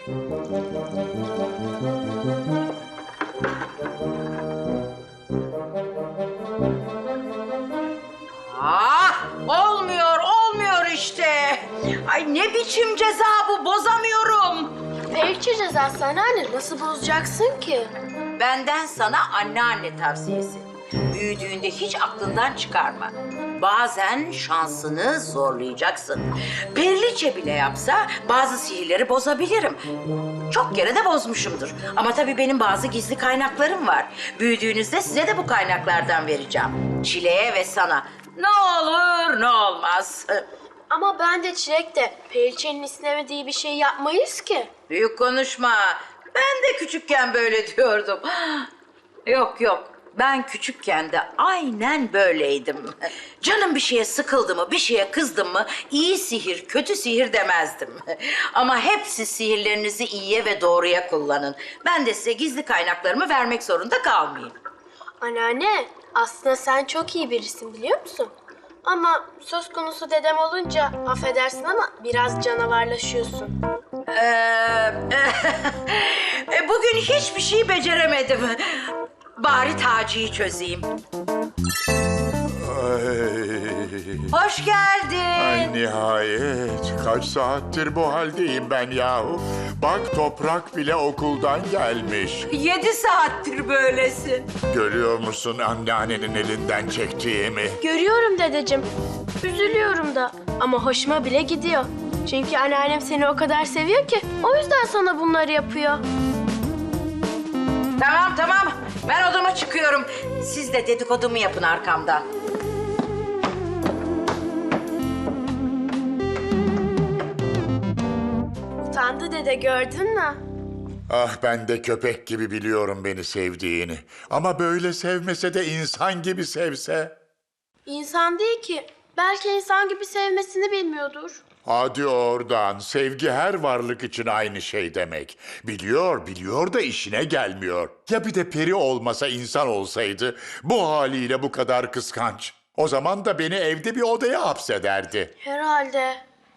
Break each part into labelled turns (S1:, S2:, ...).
S1: Olmuyor işte. Ay ne biçim ceza bu, bozamıyorum.
S2: Periçe cezası anneanne, nasıl bozacaksın ki?
S1: Benden sana anneanne tavsiyesi. Büyüdüğünde hiç aklından çıkarma. Bazen şansını zorlayacaksın. Periliçe bile yapsa bazı sihirleri bozabilirim. Çok kere de bozmuşumdur. Ama tabii benim bazı gizli kaynaklarım var. Büyüdüğünüzde size de bu kaynaklardan vereceğim. Çileğe ve sana. Ne olur ne olmaz.
S2: Ama ben de Çilek de Periçe'nin istemediği bir şey yapmayız ki.
S1: Büyük konuşma. Ben de küçükken böyle diyordum. Yok. Ben küçükken de aynen böyleydim. Canım bir şeye sıkıldı mı, bir şeye kızdım mı iyi sihir, kötü sihir demezdim. Ama hepsi sihirlerinizi iyiye ve doğruya kullanın. Ben de size gizli kaynaklarımı vermek zorunda kalmayayım.
S2: Anneanne, aslında sen çok iyi birisin biliyor musun? Ama söz konusu dedem olunca affedersin ama biraz canavarlaşıyorsun.
S1: Bugün hiçbir şey beceremedim. Bari Taci'yi çözeyim. Hoş geldin.
S3: Ay nihayet. Kaç saattir bu haldeyim ben yahu. Bak Toprak bile okuldan gelmiş.
S1: 7 saattir böylesin.
S3: Görüyor musun anneannenin elinden çektiğimi?
S2: Görüyorum dedeciğim. Üzülüyorum da ama hoşuma bile gidiyor. Çünkü anneannem seni o kadar seviyor ki o yüzden sana bunları yapıyor.
S1: Tamam. Ben odama çıkıyorum. Siz de dedikodumu yapın arkamdan.
S2: Utandı dede, gördün mü?
S3: Ah ben de köpek gibi biliyorum beni sevdiğini. Ama böyle sevmese de insan gibi sevse.
S2: İnsan değil ki. Belki insan gibi sevmesini bilmiyordur.
S3: Hadi oradan. Sevgi her varlık için aynı şey demek. Biliyor da işine gelmiyor. Ya bir de peri olmasa insan olsaydı bu haliyle bu kadar kıskanç. O zaman da beni evde bir odaya hapsederdi.
S2: Herhalde.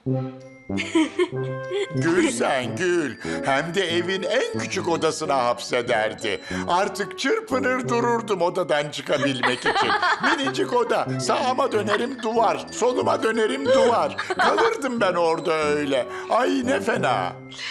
S3: Gül sen gül. Hem de evin en küçük odasına hapsederdi. Artık çırpınır dururdum odadan çıkabilmek için. Minicik oda. Sağıma dönerim duvar. Soluma dönerim duvar. Kalırdım ben orada öyle. Ay ne fena.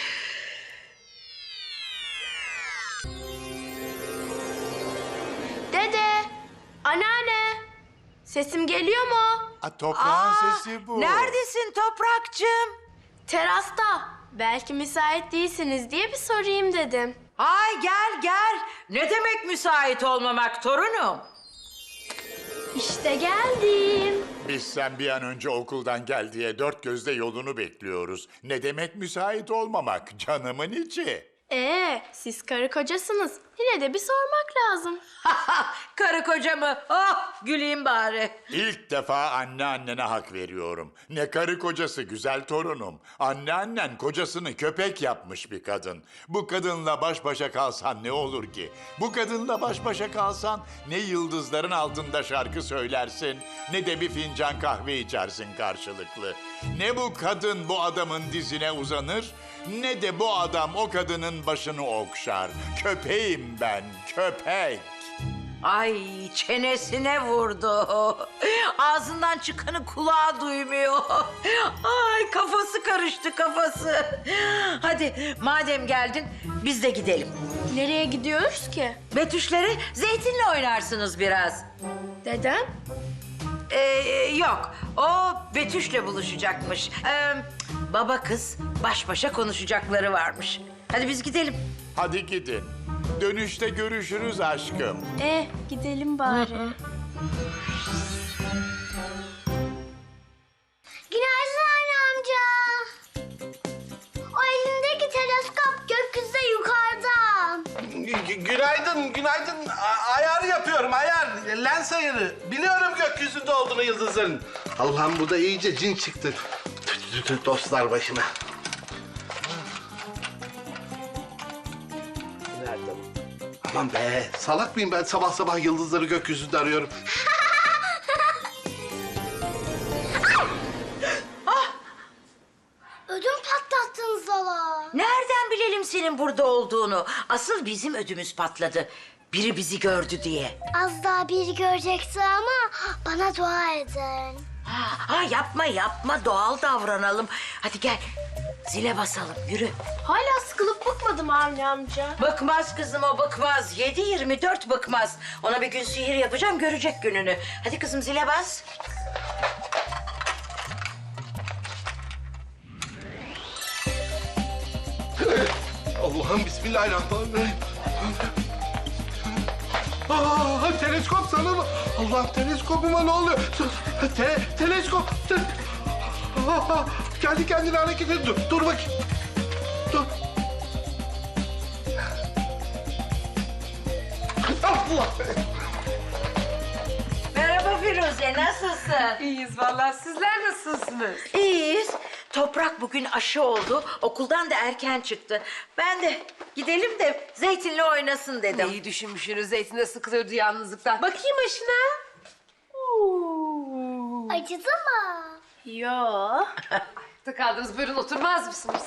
S2: Dede, anneanne. Sesim geliyor mu?
S3: Toprağın sesi bu.
S1: Neredesin Toprakçığım?
S2: Terasta. Belki müsait değilsiniz diye bir sorayım dedim.
S1: Ay gel. Ne demek müsait olmamak torunum?
S2: İşte geldim.
S3: Biz sen bir an önce okuldan gel diye dört gözle yolunu bekliyoruz. Ne demek müsait olmamak canımın içi.
S2: Siz karı kocasınız. Yine de bir sormak lazım.
S1: Karı koca mı? Oh güleyim bari.
S3: İlk defa anneannene hak veriyorum. Ne karı kocası güzel torunum. Anneannen kocasını köpek yapmış bir kadın. Bu kadınla baş başa kalsan ne olur ki? Bu kadınla baş başa kalsan ne yıldızların altında şarkı söylersin, ne de bir fincan kahve içersin karşılıklı. Ne bu kadın bu adamın dizine uzanır, ne de bu adam o kadının başını okşar. Köpeğim ben, köpek.
S1: Ay çenesine vurdu. Ağzından çıkanı kulağı duymuyor. Ay kafası karıştı kafası. Hadi madem geldin biz de gidelim.
S2: Nereye gidiyoruz ki?
S1: Betüşleri zeytinle oynarsınız biraz.
S2: Dedem?
S1: Yok o Betüş'le buluşacakmış. Baba kız baş başa konuşacakları varmış. Hadi biz gidelim.
S3: Hadi gidin. Dönüşte görüşürüz aşkım.
S2: Gidelim bari.
S4: Günaydın anne amca. O elindeki teleskop gökyüzünde yukarıda.
S5: Günaydın. Ayar yapıyorum, ayar. Lens ayarı. Biliyorum gökyüzünde olduğunu yıldızların. Allah'ım bu da iyice cin çıktı. Dostlar başıma. Nerede? Aman be, salak mıyım ben sabah sabah yıldızları gökyüzünde arıyorum.
S4: Ödüm patlattınız valla.
S1: Nereden bilelim kimsenin burada olduğunu. Asıl bizim ödümüz patladı. Biri bizi gördü diye.
S4: Az daha biri görecekti ama bana dua edin.
S1: Yapma doğal davranalım. Hadi gel zile basalım yürü.
S2: Hala sıkılıp bıkmadım Avni amca.
S1: Bıkmaz kızım o bıkmaz. 7/24 bıkmaz. Ona bir gün sihir yapacağım görecek gününü. Hadi kızım zile bas.
S5: Allah'ım bismillahirrahmanirrahim. Teleskop sana mı? Allah'ım teleskopuma ne oluyor? Teleskop. Kendi kendine hareket et. Dur bakayım. Dur. Allah!
S1: Merhaba Firuze nasılsın?
S6: İyiyiz vallahi. Sizler nasılsınız?
S1: İyiyiz. Toprak bugün aşı oldu. Okuldan da erken çıktı. Ben de gidelim de Zeytin'le oynasın dedim.
S6: İyi düşünmüşsünüz. Zeytin de sıkılıyordu yalnızlıktan. Bakayım aşına.
S4: Acıdı mı?
S2: Yo.
S6: Ayakta kaldınız. Buyurun oturmaz mısınız?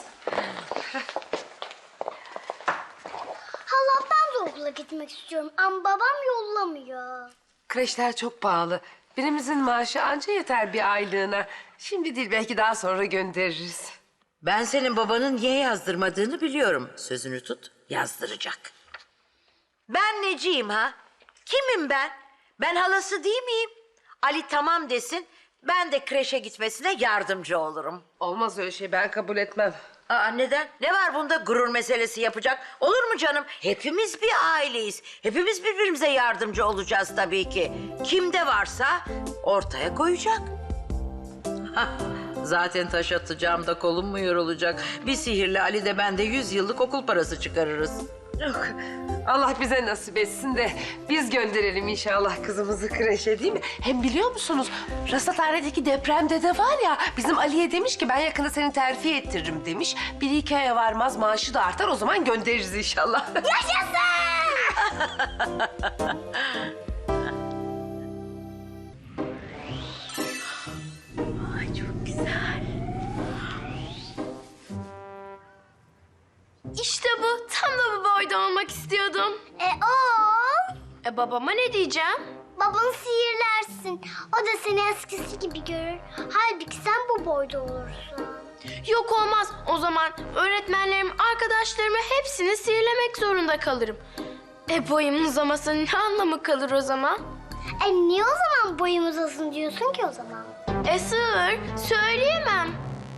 S4: Hala ben de okula gitmek istiyorum ama babam yollamıyor.
S6: Kreşler çok pahalı. Birimizin maaşı anca yeter bir aylığına. Şimdi değil belki daha sonra göndeririz.
S1: Ben senin babanın niye yazdırmadığını biliyorum. Sözünü tut, yazdıracak. Ben neciyim ha? Kimim ben? Ben halası değil miyim? Ali tamam desin, ben de kreşe gitmesine yardımcı olurum.
S6: Olmaz öyle şey, ben kabul etmem.
S1: Aa, neden? Ne var bunda gurur meselesi yapacak? Olur mu canım? Hepimiz bir aileyiz. Hepimiz birbirimize yardımcı olacağız tabii ki. Kimde varsa ortaya koyacak. Zaten taş atacağım da kolum mu yorulacak? Bir sihirli Ali de ben de 100 yıllık okul parası çıkarırız.
S6: Yok. Allah bize nasip etsin de biz gönderelim inşallah kızımızı kreşe, değil mi? Hem biliyor musunuz rasathanedeki depremde de var ya, bizim Ali'ye demiş ki ben yakında seni terfi ettiririm demiş. 1-2 aya varmaz maaşı da artar, o zaman göndeririz inşallah.
S2: İşte bu. Tam da bu boyda olmak istiyordum.
S4: O?
S2: Babama ne diyeceğim?
S4: Babanı sihirlersin. O da seni eskisi gibi görür. Halbuki sen bu boyda olursun.
S2: Yok olmaz. O zaman öğretmenlerim, arkadaşlarımı hepsini sihirlemek zorunda kalırım. Boyum uzamasının ne anlamı kalır o zaman?
S4: Niye o zaman boyum uzasın diyorsun ki o zaman?
S2: Sır, söyleyemem.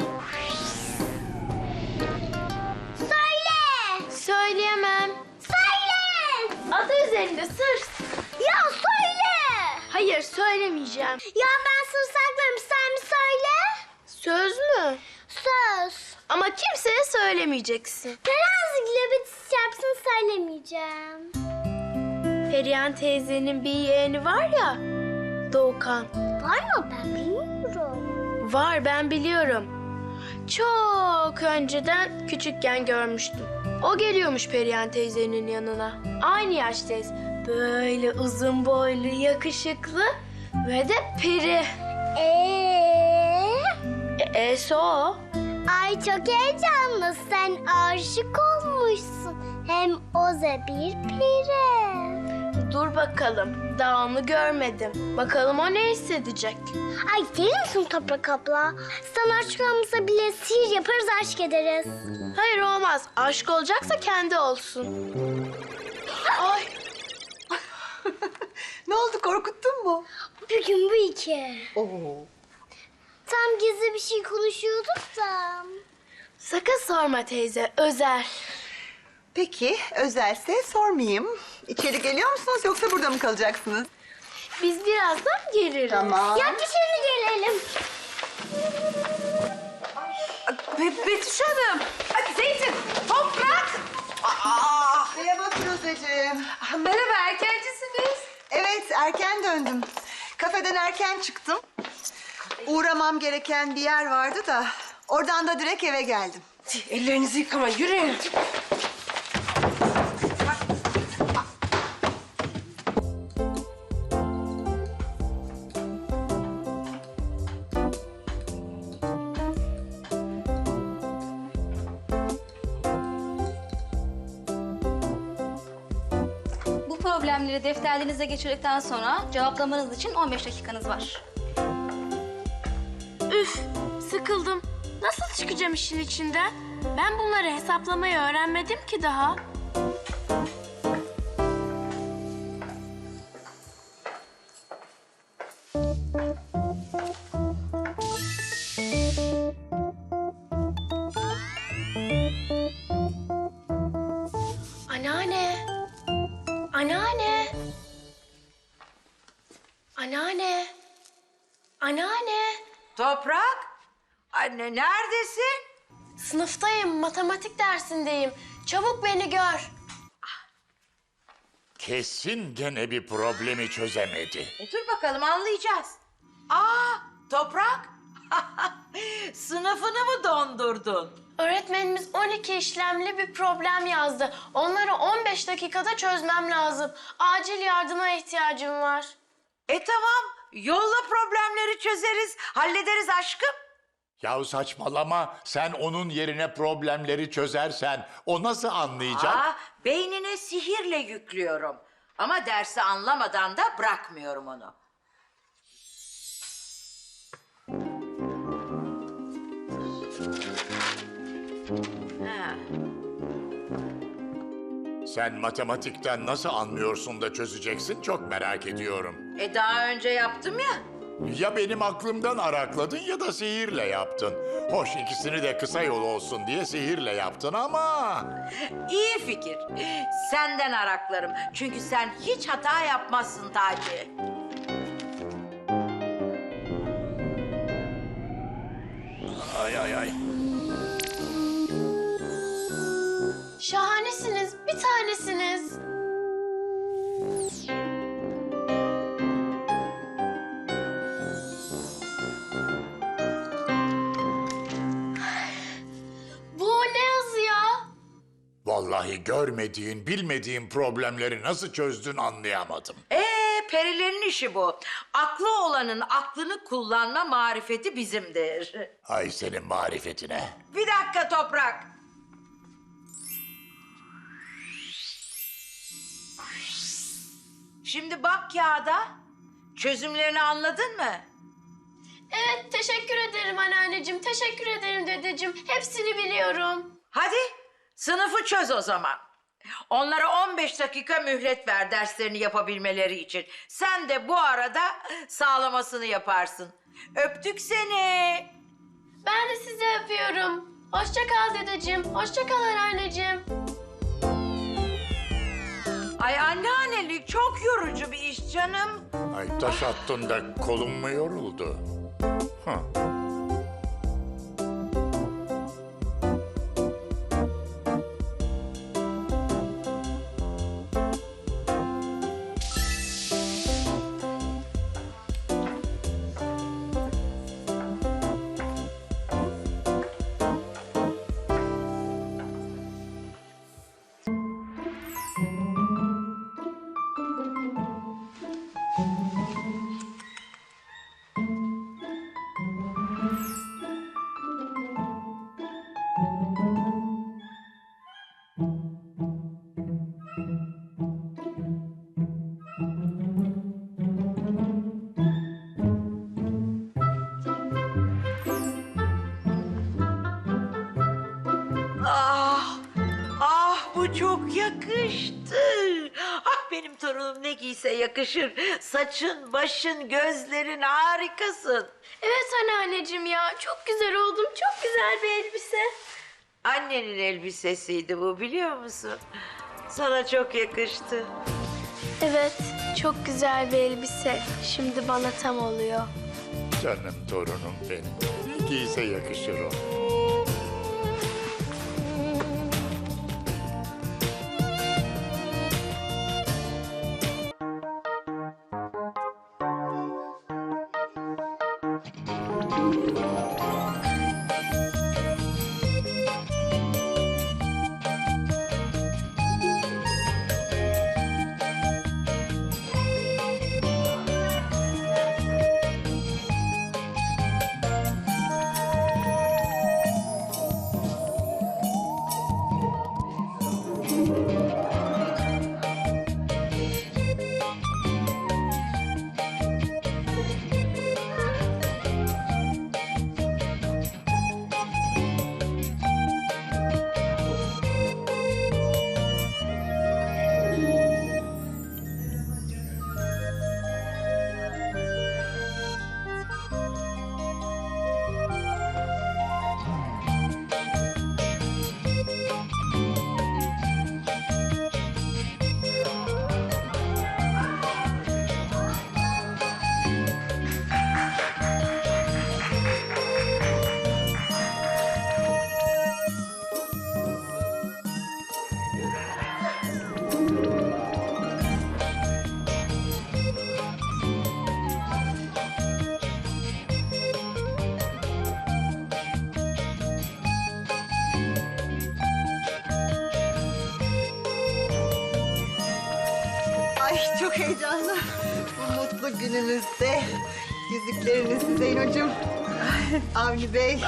S4: Söyle!
S2: Söyleyemem.
S4: Söyle!
S2: Adı üzerinde sır.
S4: Ya söyle!
S2: Hayır, söylemeyeceğim.
S4: Ya ben sır saklarım, sen mi söyle?
S2: Söz mü?
S4: Söz.
S2: Ama kimseye söylemeyeceksin.
S4: Terazi globetisi çarpsın söylemeyeceğim.
S2: Perihan teyzenin bir yeğeni var ya, Doğukan.
S4: Var mı, ben bilmiyorum.
S2: Var, ben biliyorum. Çok önceden küçükken görmüştüm. O geliyormuş Perihan teyzenin yanına. Aynı yaştayız. Böyle uzun boylu, yakışıklı ve de peri. E'si o.
S4: Ay çok heyecanlı, sen aşık olmuşsun. Hem o da bir peri.
S2: Dur bakalım, daha onu görmedim. Bakalım o ne hissedecek?
S4: Ay deli misin Toprak abla? Sana aşık olmasa bile sihir yaparız, aşk ederiz.
S2: Hayır olmaz. Aşk olacaksa kendi olsun. Ay.
S7: Ne oldu, korkuttun mu?
S4: Bugün bu iki. Tam gizli bir şey konuşuyorduk da.
S2: Sakın sorma teyze, özel.
S7: Peki, özelse sormayayım. İçeri geliyor musunuz yoksa burada mı kalacaksınız?
S2: Biz birazdan geliriz.
S7: Tamam.
S4: Ya dışarı gelelim.
S6: Betüş Hanım. Hadi Zeytin, Toprak.
S7: Merhaba Firuzeciğim.
S6: Merhaba, erkencisiniz.
S7: Evet, erken döndüm. Kafeden erken çıktım. Uğramam gereken bir yer vardı da oradan da direkt eve geldim.
S6: Ellerinizi yıkama, yürüyün.
S8: problemleri defterlerinize geçirdikten sonra cevaplamanız için 15 dakikanız var.
S2: Üf, sıkıldım. Nasıl çıkacağım işin içinden? Ben bunları hesaplamayı öğrenmedim ki daha. Anneanne. Anneanne. Anneanne. Anneanne.
S1: Toprak, anne neredesin?
S2: Sınıftayım, matematik dersindeyim. Çabuk beni gör.
S3: Kesin gene bir problemi çözemedi.
S1: Dur bakalım anlayacağız. Aa, Toprak. Sınıfını mı dondurdun?
S2: Öğretmenimiz 12 işlemli bir problem yazdı. Onları 15 dakikada çözmem lazım. Acil yardıma ihtiyacım var.
S1: Tamam, yolla problemleri çözeriz, hallederiz aşkım.
S3: Yahu saçmalama, sen onun yerine problemleri çözersen o nasıl anlayacak?
S1: Beynine sihirle yüklüyorum. Ama dersi anlamadan da bırakmıyorum onu. Ha.
S3: Sen matematikten nasıl anlıyorsun da çözeceksin çok merak ediyorum.
S1: Daha önce yaptım ya.
S3: Ya benim aklımdan arakladın ya da sihirle yaptın. Hoş ikisini de kısa yol olsun diye sihirle yaptın ama...
S1: İyi fikir. Senden araklarım. Çünkü sen hiç hata yapmazsın Taci.
S3: Ay ay ay.
S2: Şahanesiniz, bir tanesiniz. Bu ne yazı ya?
S3: Vallahi görmediğin, bilmediğin problemleri nasıl çözdün anlayamadım.
S1: Perilerin işi bu. Aklı olanın aklını kullanma marifeti bizimdir.
S3: Ay senin marifetine.
S1: Bir dakika Toprak. Şimdi bak kağıda. Çözümlerini anladın mı?
S2: Evet, teşekkür ederim anneanneciğim, teşekkür ederim dedeciğim. Hepsini biliyorum.
S1: Hadi sınıfı çöz o zaman. Onlara 15 dakika mühlet ver derslerini yapabilmeleri için. Sen de bu arada sağlamasını yaparsın. Öptük seni.
S2: Ben de sizi öpüyorum. Hoşça kal dedeciğim, hoşça kal anneanneciğim.
S1: Ay anneannelik çok yorucu bir iş canım.
S3: Ay taş attın da kolum mu yoruldu? Hı.
S1: Bu çok yakıştı. Ah benim torunum ne giyse yakışır. Saçın, başın, gözlerin harikasın.
S2: Evet anneanneciğim ya, çok güzel oldum, çok güzel bir elbise.
S1: Annenin elbisesiydi bu biliyor musun? Sana çok yakıştı.
S2: Evet, çok güzel bir elbise. Şimdi bana tam oluyor.
S3: Canım torunum benim. Ne giyse yakışır o.
S7: heyecanlı. Bu mutlu gününüzde yüzükleriniz Zeynocuğum. Avni Bey.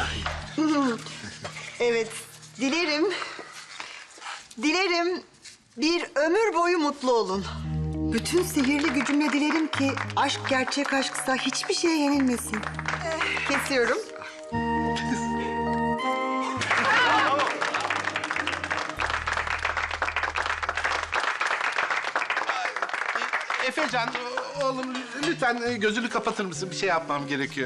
S7: Evet, dilerim bir ömür boyu mutlu olun. Bütün sihirli gücümle dilerim ki aşk gerçek aşksa hiçbir şeye yenilmesin. Kesiyorum.
S5: Efecan, oğlum lütfen gözünü kapatır mısın? Bir şey yapmam gerekiyor.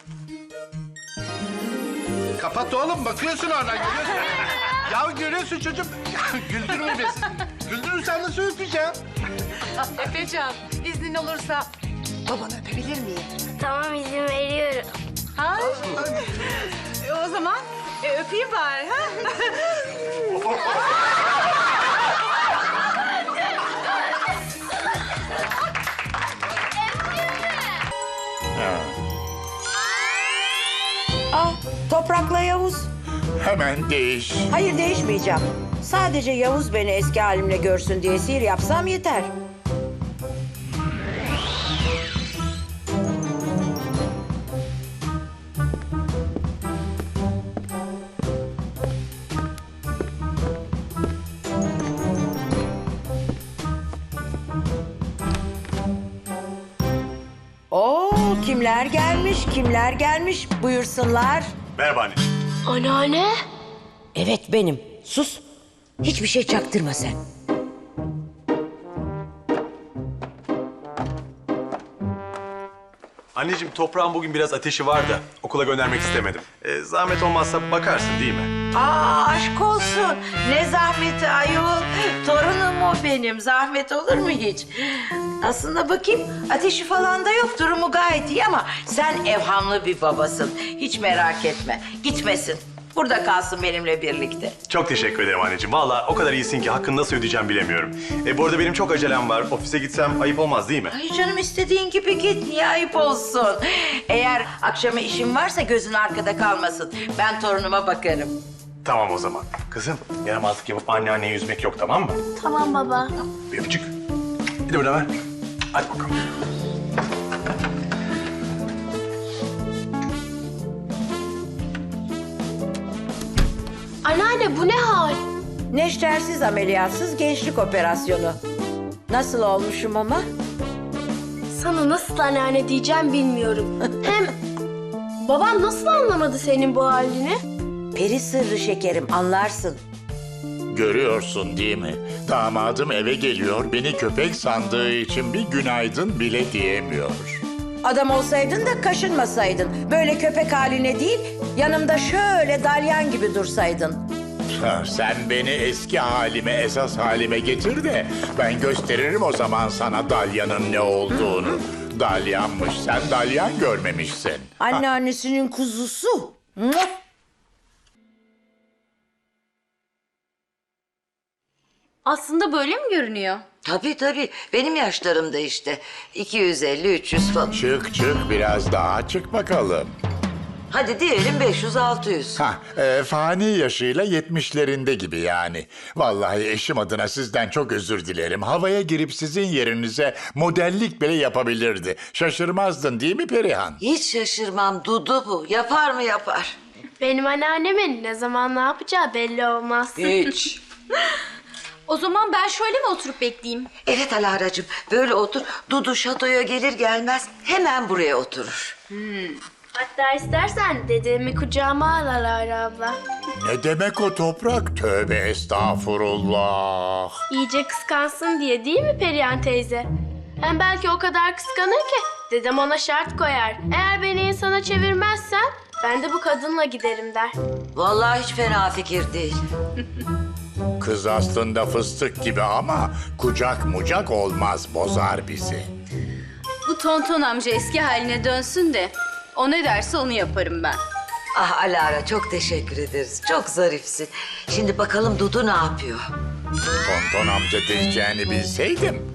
S5: Kapat oğlum, bakıyorsun oradan, görüyorsun. Ya görüyorsun çocuğum. Güldürme beni. Güldürürsen nasıl öpeceğim?
S6: Efecan, iznin olursa babanı öpebilir miyim?
S4: Tamam izin veriyorum.
S7: Ha? O zaman öpeyim bari. Ha?
S1: Toprakla Yavuz.
S3: Hemen değiş.
S1: Hayır, değişmeyeceğim. Sadece Yavuz beni eski halimle görsün diye sihir yapsam yeter. Oo, kimler gelmiş buyursunlar.
S9: Merhaba anneciğim.
S2: Anneanne.
S1: Evet benim. Sus. Hiçbir şey çaktırma sen.
S9: Anneciğim toprağın bugün biraz ateşi var da okula göndermek istemedim. Zahmet olmazsa bakarsın değil mi?
S1: Aşk olsun. Ne zahmeti ayol. Torunum o benim. Zahmet olur mu hiç? Aslında bakayım ateşi falan da yok. Durumu gayet iyi ama sen evhamlı bir babasın. Hiç merak etme. Gitmesin. Burada kalsın benimle birlikte.
S9: Çok teşekkür ederim anneciğim. Vallahi o kadar iyisin ki hakkını nasıl ödeyeceğim bilemiyorum. Bu arada benim çok acelem var. Ofise gitsem ayıp olmaz değil mi?
S1: Ay canım istediğin gibi git. Niye ayıp olsun? Eğer akşama işin varsa gözün arkada kalmasın. Ben torunuma bakarım.
S9: Tamam o zaman. Kızım yaramazlık yapıp anneanneye yüzmek yok tamam mı?
S2: Tamam baba.
S9: Bir öpücük. Bir de burada ver. Hadi bakalım.
S2: Anneanne bu ne hal?
S1: Neştersiz ameliyatsız gençlik operasyonu. Nasıl olmuşum ama?
S2: Sana nasıl anneanne diyeceğim bilmiyorum. Hem babam nasıl anlamadı senin bu halini?
S1: Peri sırrı şekerim, anlarsın.
S3: Görüyorsun değil mi? Damadım eve geliyor, beni köpek sandığı için bir günaydın bile diyemiyor.
S1: Adam olsaydın da kaşınmasaydın. Böyle köpek haline değil, yanımda şöyle dalyan gibi dursaydın.
S3: Sen beni eski halime, esas halime getir de ben gösteririm o zaman sana dalyanın ne olduğunu. Dalyanmış, sen dalyan görmemişsin.
S1: Anneannesinin kuzusu. Muah!
S8: Aslında böyle mi görünüyor?
S1: Tabii. Benim yaşlarımda işte. 250-300 falan.
S3: Çık biraz daha çık bakalım.
S1: Hadi diyelim 500-600.
S3: Fani yaşıyla 70'lerinde gibi yani. Vallahi eşim adına sizden çok özür dilerim. Havaya girip sizin yerinize modellik bile yapabilirdi. Şaşırmazdın değil mi Perihan?
S1: Hiç şaşırmam. Dudu bu. Yapar mı yapar?
S2: Benim anneannemin ne zaman ne yapacağı belli olmaz.
S1: Hiç.
S8: O zaman ben şöyle mi oturup bekleyeyim?
S1: Evet Alara'cığım. Böyle otur. Dudu şatoya gelir gelmez hemen buraya oturur.
S2: Hatta istersen dedemi kucağıma al Alara abla.
S3: Ne demek o toprak? Tövbe estağfurullah.
S2: İyice kıskansın diye değil mi Perihan teyze? Hem belki o kadar kıskanır ki dedem ona şart koyar. Eğer beni insana çevirmezsen ben de bu kadınla giderim der.
S1: Vallahi hiç fena fikir değil.
S3: Kız aslında fıstık gibi ama kucak mucak olmaz, bozar bizi.
S8: Bu tonton amca eski haline dönsün de o ne derse onu yaparım ben.
S1: Ah Alara çok teşekkür ederiz. Çok zarifsin. Şimdi bakalım Dudu ne yapıyor?
S3: Tonton amca diyeceğini bilseydim.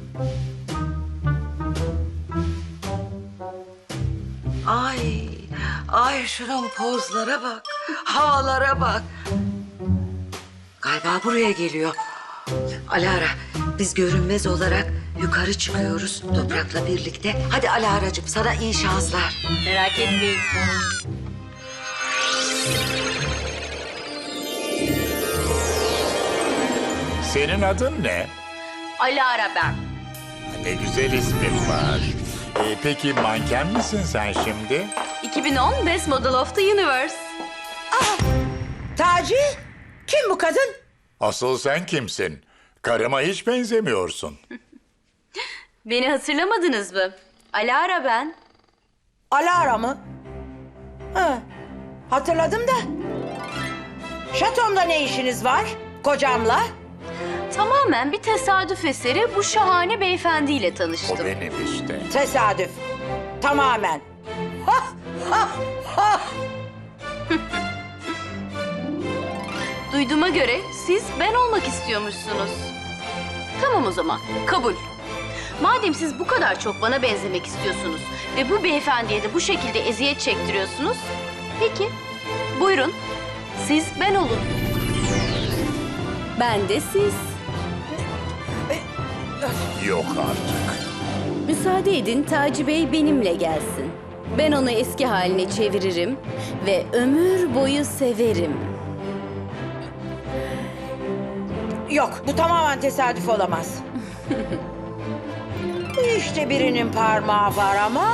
S1: Ay şunun pozlara bak. Havalara bak. Galiba buraya geliyor.
S10: Alara, biz görünmez olarak yukarı çıkıyoruz Toprak'la birlikte. Hadi Alara'cığım, sana iyi şanslar.
S8: Merak etmeyin.
S3: Senin adın ne?
S8: Alara ben.
S3: Ne güzel ismin var. Peki manken misin sen şimdi?
S8: 2010 Best Model of the Universe.
S1: Taci, kim bu kadın?
S3: Asıl sen kimsin? Karıma hiç benzemiyorsun.
S8: Beni hatırlamadınız mı? Alara ben.
S1: Alara mı? Ha, hatırladım da. Şatomda ne işiniz var? Kocamla?
S8: Tamamen bir tesadüf eseri bu şahane beyefendiyle
S3: O
S8: tanıştım.
S3: benim işte.
S1: Tesadüf. Tamamen. Ha, ha, ha.
S8: Duyduğuma göre siz ben olmak istiyormuşsunuz. Tamam o zaman, kabul. Madem siz bu kadar çok bana benzemek istiyorsunuz ve bu beyefendiye de bu şekilde eziyet çektiriyorsunuz, peki buyurun siz ben olun. Ben de siz.
S3: Yok artık.
S8: Müsaade edin Taci Bey benimle gelsin. Ben onu eski haline çeviririm ve ömür boyu severim.
S1: Yok, bu tamamen tesadüf olamaz. Bu işte birinin parmağı var ama...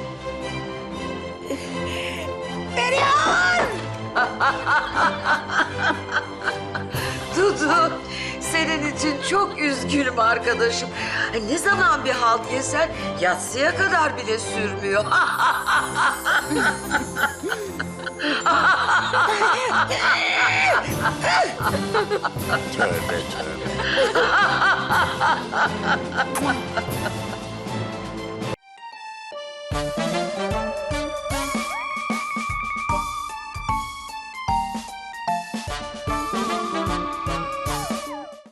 S1: Perihan!
S10: Dudu, senin için çok üzgünüm arkadaşım. Ay, ne zaman bir halt yesen yatsıya kadar bile sürmüyor.
S3: Tövbe tövbe.